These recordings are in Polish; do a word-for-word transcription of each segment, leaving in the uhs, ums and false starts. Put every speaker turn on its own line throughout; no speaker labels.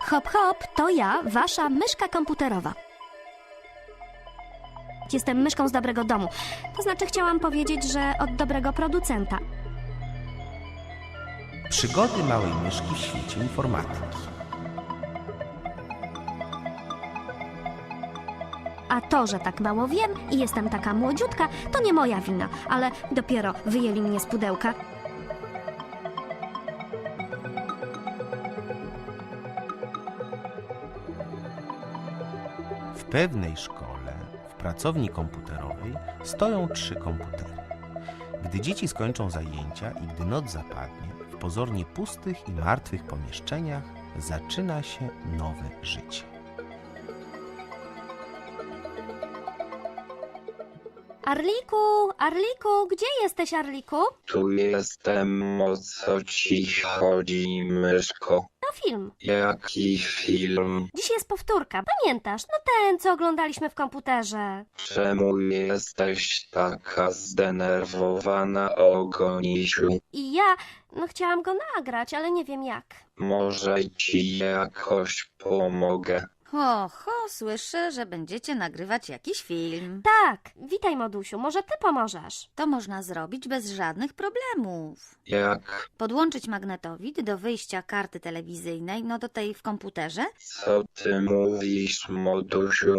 Hop, hop, to ja, wasza myszka komputerowa. Jestem myszką z dobrego domu. To znaczy chciałam powiedzieć, że od dobrego producenta.
Przygody małej myszki w świecie informatyki.
A to, że tak mało wiem i jestem taka młodziutka, to nie moja wina, ale dopiero wyjęli mnie z pudełka.
W pewnej szkole, w pracowni komputerowej, stoją trzy komputery. Gdy dzieci skończą zajęcia i gdy noc zapadnie, w pozornie pustych i martwych pomieszczeniach zaczyna się nowe życie.
Arliku, Arliku, gdzie jesteś, Arliku?
Tu jestem, o co ci chodzi, myszko?
No film.
Jaki film?
Dziś jest powtórka, pamiętasz? No ten, co oglądaliśmy w komputerze.
Czemu jesteś taka zdenerwowana, Ogonisiu?
I ja, no chciałam go nagrać, ale nie wiem jak.
Może ci jakoś pomogę?
Ho, ho, słyszę, że będziecie nagrywać jakiś film.
Tak, witaj, Modusiu, może ty pomożesz?
To można zrobić bez żadnych problemów.
Jak?
Podłączyć magnetowid do wyjścia karty telewizyjnej, no do tej w komputerze.
Co ty mówisz, modusiu?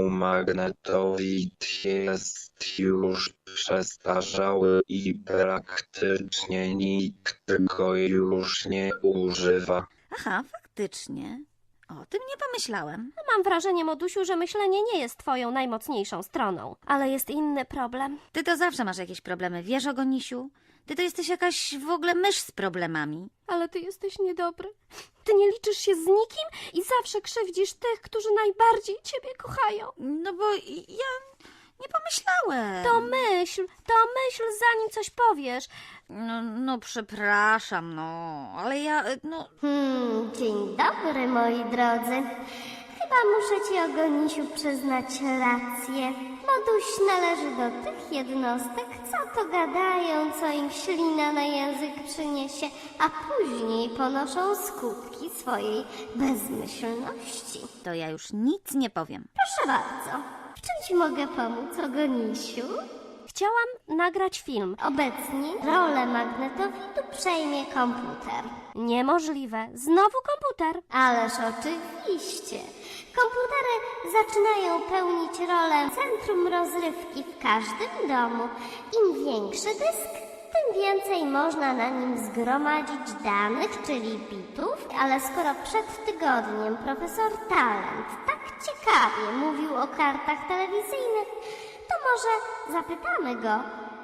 Magnetowid jest już przestarzały i praktycznie nikt go już nie używa.
Aha, faktycznie. O tym nie pomyślałem.
Mam wrażenie, Modusiu, że myślenie nie jest twoją najmocniejszą stroną. Ale jest inny problem.
Ty to zawsze masz jakieś problemy, wiesz, Ogonisiu? Ty to jesteś jakaś w ogóle mysz z problemami.
Ale ty jesteś niedobry. Ty nie liczysz się z nikim i zawsze krzywdzisz tych, którzy najbardziej ciebie kochają.
No bo ja nie pomyślałem.
To myśl, to myśl, zanim coś powiesz.
No, no przepraszam, no, ale ja, no...
Hmm, dzień dobry, moi drodzy. Chyba muszę ci, Ogonisiu, przyznać rację. Moduś należy do tych jednostek, co to gadają, co im ślina na język przyniesie, a później ponoszą skutki swojej bezmyślności.
To ja już nic nie powiem.
Proszę bardzo. W czym ci mogę pomóc, Ogonisiu?
Chciałam nagrać film.
Obecnie rolę magnetowidu przejmie komputer.
Niemożliwe. Znowu komputer.
Ależ oczywiście. Komputery zaczynają pełnić rolę centrum rozrywki w każdym domu. Im większy dysk, tym więcej można na nim zgromadzić danych, czyli bitów. Ale skoro przed tygodniem profesor Talent tak ciekawie mówił o kartach telewizyjnych, to może zapytamy go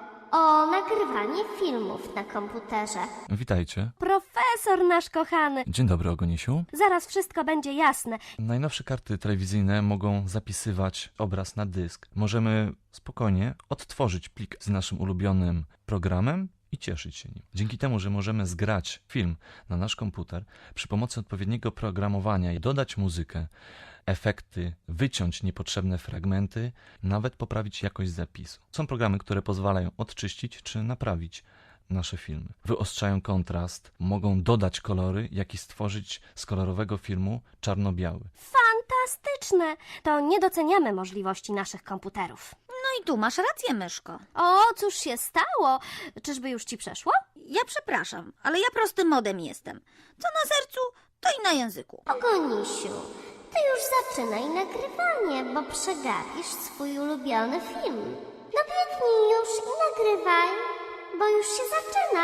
o nagrywanie filmów na komputerze.
Witajcie.
Profesor nasz kochany.
Dzień dobry, Ogonisiu.
Zaraz wszystko będzie jasne.
Najnowsze karty telewizyjne mogą zapisywać obraz na dysk. Możemy spokojnie odtworzyć plik z naszym ulubionym programem i cieszyć się nim. Dzięki temu, że możemy zgrać film na nasz komputer przy pomocy odpowiedniego programowania i dodać muzykę, efekty, wyciąć niepotrzebne fragmenty, nawet poprawić jakość zapisu. Są programy, które pozwalają odczyścić czy naprawić nasze filmy. Wyostrzają kontrast, mogą dodać kolory, jak i stworzyć z kolorowego filmu czarno-biały.
Fantastyczne. To nie doceniamy możliwości naszych komputerów.
No i tu masz rację, myszko.
O, cóż się stało? Czyżby już ci przeszło?
Ja przepraszam, ale ja prostym modem jestem. Co na sercu, to i na języku.
Ogonisiu, ty już zaczynaj nagrywanie, bo przegapisz swój ulubiony film. No biegnij już i nagrywaj, bo już się zaczyna.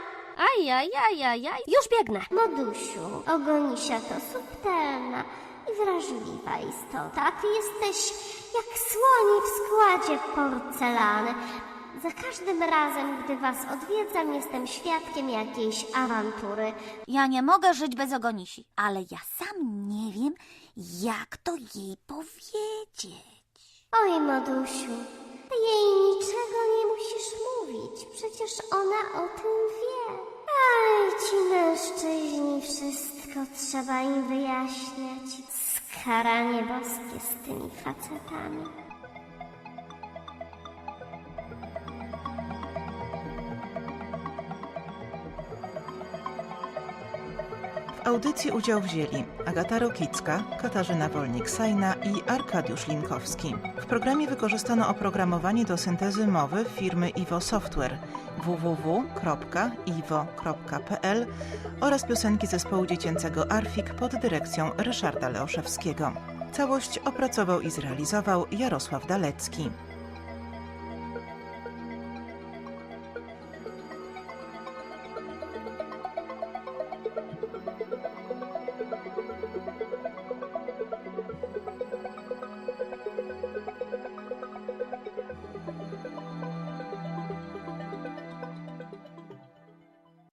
Ajajajajaj, już biegnę.
Modusiu, Ogonisia to subtelna i wrażliwa istota, a ty jesteś jak słoni w składzie porcelany. Za każdym razem, gdy was odwiedzam, jestem świadkiem jakiejś awantury.
Ja nie mogę żyć bez Ogonisi, ale ja sam nie wiem, jak to jej powiedzieć.
Oj, Modusiu, ty jej niczego nie musisz mówić, przecież ona o tym wie. Aj, ci mężczyźni, wszystko trzeba im wyjaśniać. Skaranie boskie z tymi facetami.
W audycji udział wzięli Agata Rokicka, Katarzyna Wolnik-Sajna i Arkadiusz Linkowski. W programie wykorzystano oprogramowanie do syntezy mowy firmy Iwo Software w w w kropka iwo kropka p l oraz piosenki zespołu dziecięcego Arfik pod dyrekcją Ryszarda Leoszewskiego. Całość opracował i zrealizował Jarosław Dalecki.